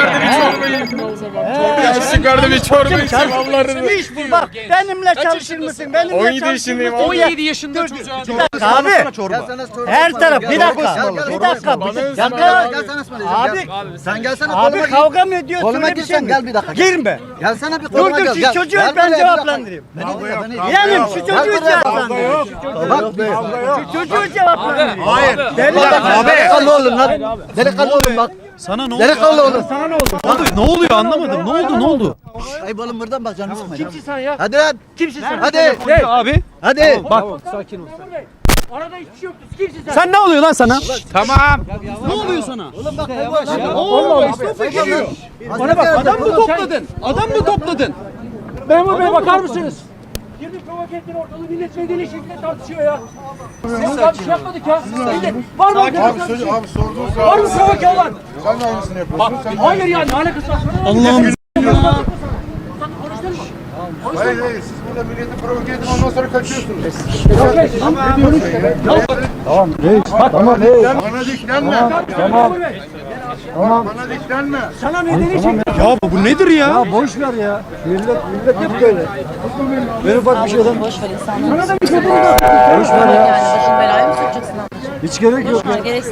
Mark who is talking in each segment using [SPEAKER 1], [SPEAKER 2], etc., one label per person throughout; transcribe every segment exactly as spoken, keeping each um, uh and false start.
[SPEAKER 1] çıkardı bir çorbayı. Çorba çıkardı bir çorbayı. Allah'ını.
[SPEAKER 2] Bir iş bul bak. Benimle çalışır mısın? Benimle
[SPEAKER 1] on yedi
[SPEAKER 2] çalışır
[SPEAKER 1] yaşındayım
[SPEAKER 2] mısın?
[SPEAKER 1] abi.
[SPEAKER 2] Ya-
[SPEAKER 3] on yedi yaşında çocuğa.
[SPEAKER 2] Abi her taraf bir dakika.
[SPEAKER 4] ısmarla,
[SPEAKER 2] Bir
[SPEAKER 4] çorba
[SPEAKER 2] dakika.
[SPEAKER 1] ısmarla.
[SPEAKER 2] Bir
[SPEAKER 1] Bana
[SPEAKER 2] dakika.
[SPEAKER 4] Gel sana ısmarlayacağım.
[SPEAKER 2] Abi
[SPEAKER 4] Gel. Sen gelsene
[SPEAKER 2] abi
[SPEAKER 4] koluma gir.
[SPEAKER 2] kavga mı ediyorsun?
[SPEAKER 4] Koluma
[SPEAKER 2] Öyle bir
[SPEAKER 4] girsen
[SPEAKER 2] şey
[SPEAKER 4] gel
[SPEAKER 2] mi?
[SPEAKER 4] bir dakika. Gel.
[SPEAKER 2] Girme.
[SPEAKER 4] Gelsene bir
[SPEAKER 2] Dur
[SPEAKER 4] koluma
[SPEAKER 2] dur
[SPEAKER 4] gel.
[SPEAKER 2] şu
[SPEAKER 4] Gel.
[SPEAKER 2] çocuğu
[SPEAKER 4] Gel
[SPEAKER 2] ben
[SPEAKER 4] buraya bir
[SPEAKER 2] cevaplandırayım.
[SPEAKER 4] dakika. Beni dinle, beni dinle.
[SPEAKER 2] Yeğenim şu çocuğu
[SPEAKER 4] Gel buraya.
[SPEAKER 2] cevaplandırayım.
[SPEAKER 4] Bak bir.
[SPEAKER 2] Şu çocuğu cevaplandırayım.
[SPEAKER 3] Hayır.
[SPEAKER 2] Deli
[SPEAKER 4] Abi. Delikanlı olun lan. Delikanlı olun bak.
[SPEAKER 5] Sana ne oldu?
[SPEAKER 4] Delikanlı olun.
[SPEAKER 2] Sana ne oldu?
[SPEAKER 5] Ne oldu? Ne oluyor anlamadım. Ne oldu? Ne oldu?
[SPEAKER 4] Ayıp oğlum buradan bak canını sıkma.
[SPEAKER 2] Kimsin sen ya?
[SPEAKER 4] Hadi lan.
[SPEAKER 2] Kimsin sen?
[SPEAKER 4] Hadi.
[SPEAKER 5] Abi
[SPEAKER 4] Hadi.
[SPEAKER 5] bak
[SPEAKER 2] Arada hiçbir şey yoktu. Kimsin sen?
[SPEAKER 5] sen ne oluyor lan sana?
[SPEAKER 3] Tamam.
[SPEAKER 5] Ne oluyor sana?
[SPEAKER 4] Oğlum bak yavaş.
[SPEAKER 5] Allah Mustafa geliyor. Bana bak adam mı topladın? Adam mı topladın?
[SPEAKER 2] Memur Bey bakar mısınız? Girdi provoke ettin ortalığı millet medeni şekilde tartışıyor ya. Biz daha bir şey yapmadık ya. Millet, var mı? Abi,
[SPEAKER 1] Abi, abi sorduğun
[SPEAKER 2] var mı provoke olan?
[SPEAKER 1] Sen de aynısını yapıyorsun. Sen de
[SPEAKER 2] Hayır ya ne alakası var?
[SPEAKER 5] Allah'ım.
[SPEAKER 1] Hayır hayır siz burada milleti provoke edin ondan sonra kaçıyorsunuz.
[SPEAKER 2] Tamam.
[SPEAKER 1] Bana diklenme. Tamam. Tamam. Bana diklenme.
[SPEAKER 2] Sana medeni şekilde.
[SPEAKER 5] Ya bu nedir ya?
[SPEAKER 6] Boş ver ya. Millet millet hep böyle. Ben ufak bir şeyden
[SPEAKER 7] Boş ver insanları.
[SPEAKER 6] boş ver ya.
[SPEAKER 7] Yani başın belaya mı sokacaksın ablacığım?
[SPEAKER 6] Hiç gerek yok.
[SPEAKER 7] Boş ver, gerek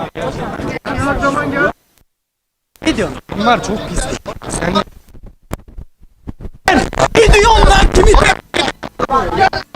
[SPEAKER 7] yok.
[SPEAKER 5] Ne diyorsun? Bunlar çok pis. Sen ne diyorsun lan kimi?